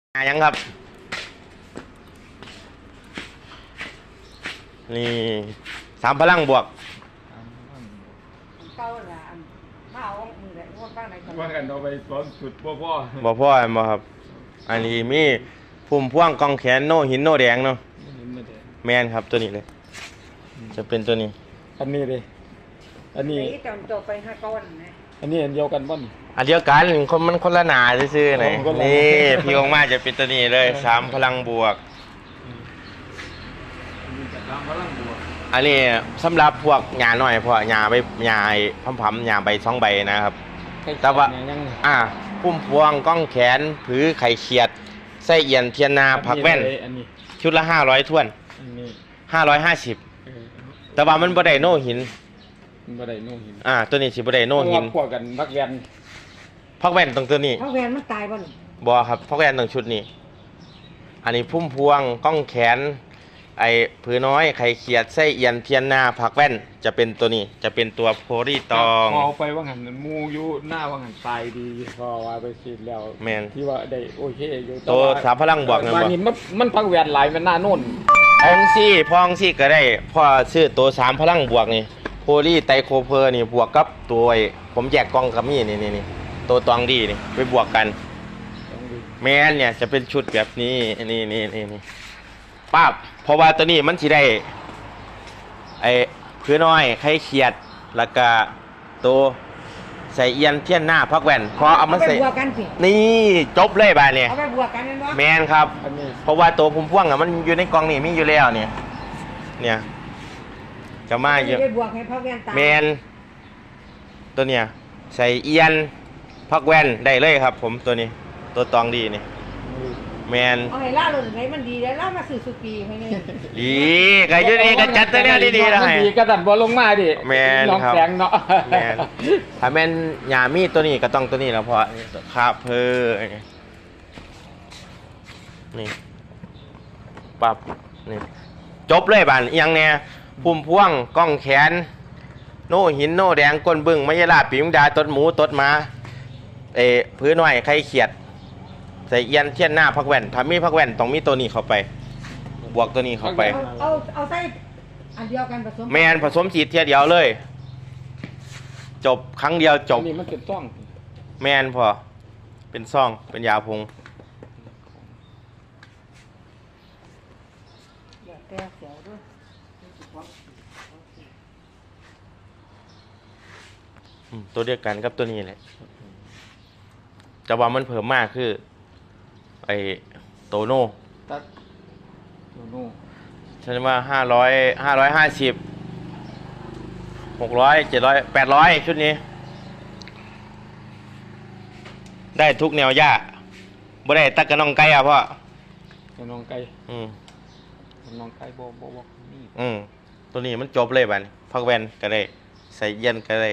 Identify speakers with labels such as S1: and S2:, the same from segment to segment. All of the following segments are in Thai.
S1: ยังครับนี่สามพลังบวก
S2: เก้าละอันมาเอามือเลยงวดบ้างไหนก่อน
S3: ว่ากันเอาไปซ้อนสุดพ่อ
S1: บ่พ่อบ่ครับอันนี้มีพุ่มพ่วงกองแขนโนหินโนแดงเนาะแมนครับตัวนี้เลยจะเป็นตัวนี้
S3: อันนี้เลยอันนี้
S2: ตอนโตไป5 ก้อนนะ
S3: อันนี้อันเดียวกันป่ะนี่
S1: อันเดียวกันมันคนละหนาซื่อๆหน่อย
S3: คนละหนา
S1: นี่พี่องมาจะเป็นตัวนี้เลยสามพลังบวกอันนี้สำหรับพวกหญ้าหน่อยพวกหญ้าใบหญ้าพัมๆหญ้าใบ2 ใบนะครับแต่ว่าพุ่มพวงก้องแขนผือไข่เขียดไส้เอียนเทียนนาผักแว่นชุดละ500ถ้วน550แต่ว่ามันบ่ได้โนหิน
S3: บ่ได้โน่หิน
S1: ตัวนี้สิบ่ได้โนหิน
S3: พวกกันพักแวน
S1: ผักแว่นตรงตัวนี้
S2: เพราะแวนมันตายบ่นี่
S1: บ่ครับผักแว่นตรงชุดนี้อันนี้พุ่มพวงก้องแขนไอ้ผือน้อยไข่เขียดไส้เอียนเทียนนาผักแว่นจะเป็นตัวนี้จะเป็นตัวโพลีตอง
S3: พอไปว่าหันมูอยู่หน้าว่าหันตายดีพอว่าไปฉีดแล้ว
S1: แมน
S3: ที่ว่าได้โอเคอยู่
S1: ตัวสามพลังบวกนะบ่
S3: นี่มันพักแวนหลายมันหน้าโน่น
S1: พองซี่ก็ได้พอซื้อตัวสามพลังบวกนี่โพลีไตโคเพอร์นี่บวกกับตัวผมแยกกล่องกับมีนี่ตัวตองดีนี่ไปบวกกันแมนเนี่ยจะเป็นชุดแบบนี้นี่ป้าบเพราะว่าตัวนี้มันสิได้ไอ้ผือน้อยไข่เขียดแล้วก็ตัวใส่เอียนเทียนหน้าพักแว่นพอเอามาใส่
S2: บวกกันสิ
S1: นี่จบเลยบาดเนี่ย
S2: เอาไปบวกกันนั่นวะ
S1: แมนครับเพราะว่าตัวพุ่มพวงมันอยู่ในกล่องนี่มีอยู่แล้วเนี่ยจะมาเยอะ
S2: ไปบวกให้เพราะแวนตาย
S1: แมนตัวเนี้ยใส่เอียนพักแว่นได้เลยครับผมตัวนี้ตัวตองดีนี่แมน
S2: เอาให้ล่าเลยไหนมันดีแล้วล่ามาสื่อสุกีให้นี่
S1: ดีก็อยู่นี่ก็จัดตัวเนี้ยดีๆแล้วให้
S3: ดีก็ดันบอลลงมาดิ
S1: แมนครับแมนถ้าแมนหญ้ามีตัวนี้ก็ต้องตัวนี้แล้วเพราะคาเพอนี่ปั๊บนี่จบเลยบ้านยังเนี่ยพุ่มพวงก้องแขนโน่หินโน่แดงก้นบึ้งมะยาลาปีมดาตดหมูตดมาพื้นหน่อยไข่เขียดใส่เอียนเทียนหน้าพักแว่นถ้ามีพักแว่นต้องมีตัวนี้เข้าไปบวกตัวนี้เข้าไป
S2: เอาใส่อันเดียวกันผสม
S1: แมนผสมสีเทียเดียวเลยจบครั้งเดียวจบ
S3: นี่มันเป็นซ่อง
S1: แมนพอเป็นซ่องเป็นยาพงตัวเดียวกันกับตัวนี้แหละแต่ว่ามันเพิ่มมากคือไอโตโน่ฉันว่า550 600 700 800ชุดนี้ได้ทุกแนวหญ้าบ่ได้ตักกระนองไก่พ่อก
S3: ระนองไก่กระนองไก่บ่
S1: นี่ตัวนี้มันจบเลยบัดนี้พักแว่นก็ได้ใส่เย็นก็ได้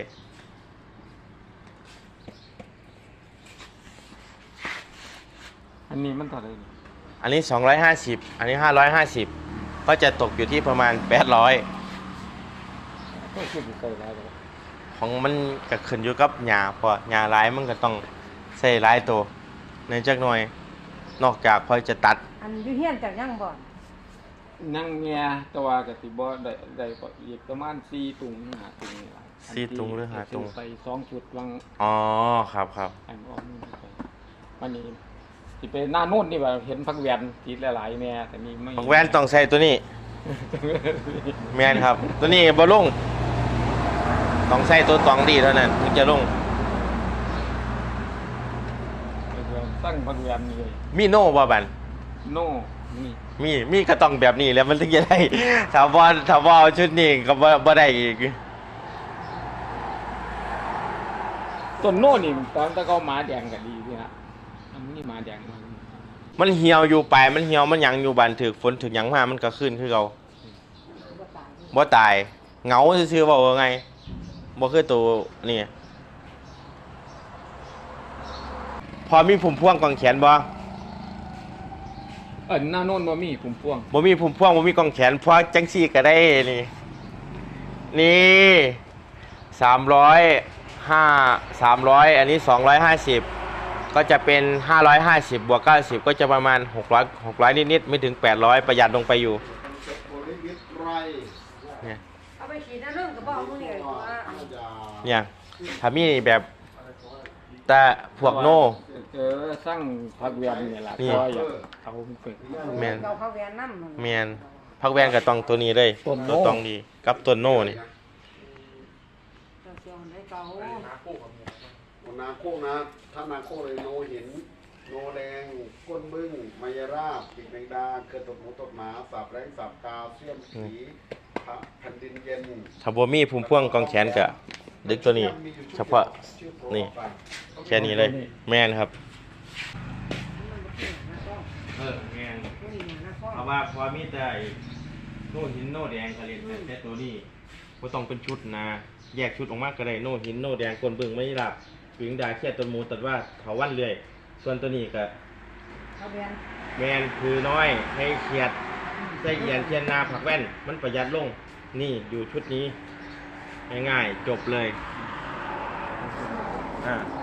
S3: อันนี้มันเท่าไหร่
S1: อันนี้250อันนี้550ก็จะตกอยู่ที่ประมาณ800ของมันก็ขึ้นอยู่กับหญ้าพอหญ้าหลายมันก็ต้องใส่หลายตัวในจักหน่อยนอกจากพอจะตัด
S2: อันอยู่เฮียนจากยังบ่
S3: นั่งเมียตัวกติบ่ได้อีกประมาณ4 ตุง5 ตุงนี่ล่ะ
S1: 4 ตุงหรือ5 ตุง
S3: ใส่2 จุดวัง
S1: ครับ
S3: อันออกนู่นไปวันนี้สิไปหน้าโน่นนี่ว่าเห็นพักแวนทีหลายๆแม่แต่นี่ไม่
S1: พักแวนต้องใส่ตัวนี้แม่นครับตัวนี้บ่ลงต้องใส่ตัวตองดีเท่านั้นถึงจะลง
S3: ตั้งพักแวนเลย
S1: มีโน่บ่บัน
S3: โน่
S1: มีก็ต้องแบบนี้แล้วมันถึงจะได้ถ้าบ่ชุดนี้ก็บ่ได้อีก
S3: ต้นโน่นี่ตอนตะเกาหมาแดงก็ดีพี่ฮะอันนี้หมาแดง
S1: มันเหี่ยวอยู่ไปมันเหี่ยวมันหยังอยู่บานถึกฝนถึกหยังมามันก็ขึ้นคือเก่าบ่ตายเหงาซื่อๆว่าไงบ่คือตัวนี่พอมีพุ่มพวงกองแขนบ่
S3: หน้าโน่นบ่มีพุ่มพวง
S1: บ่มีพุ่มพวงบ่มีกองแขนเพราะจังซี่ก็ได้นี่300อันนี้250 ก็จะเป็น550บวก90ก็จะประมาณ600นิดๆไม่ถึง800ประหยัดลงไปอยู่
S4: โพลิวิตไร
S1: เนี่ย
S2: เอาไปฉีดน้ำเรื่องก็บอกมึงเลยว่า
S1: เนี่ยถ้ามีแบบแต่พวกโน่
S3: สร้างพักเวียนนี่ล่ะ
S1: นี่
S3: ก็อยากเอาไป
S1: แม่น
S2: เราเขาแวนน้ำ
S1: แมนพักแวนกับตองตัวนี้เลย
S3: ต้นโน่
S1: ตัวตองดีกับตัวโน่นี่
S2: เราเสียงได้เก่า
S4: นาโคนะถ้านาโคเลยโนหินโนแดงก้นบึ้งมายราบปีกแมงดาเกิดตดหมูตดหมาสับแรงสับกาเสียมสีแผ่นดินเย็น
S1: ถ้าบ่มีภูมิพ่วงกองแขนกะดึกตัวนี้ เฉพาะนี่แค่นี้เลย แมนครับแมนเพราะว่าพอมีแต่โน่หินโน่แดงผลิตแต่ตัวนี้ก็ต้องเป็นชุดนะแยกชุดออกมาก็ได้โน่หินโน่แดงคนเบิ่งไม่หลับปิงดาเขียดต้นหมูตัดว่าเขาวันเรื่อยส่วนตัวนี้ก็
S2: เขาแวน
S1: แมนคือน้อยให้เขียดใส่เอียนเทียนนาผักแว่นมันประหยัดลงนี่อยู่ชุดนี้ง่ายๆจบเลย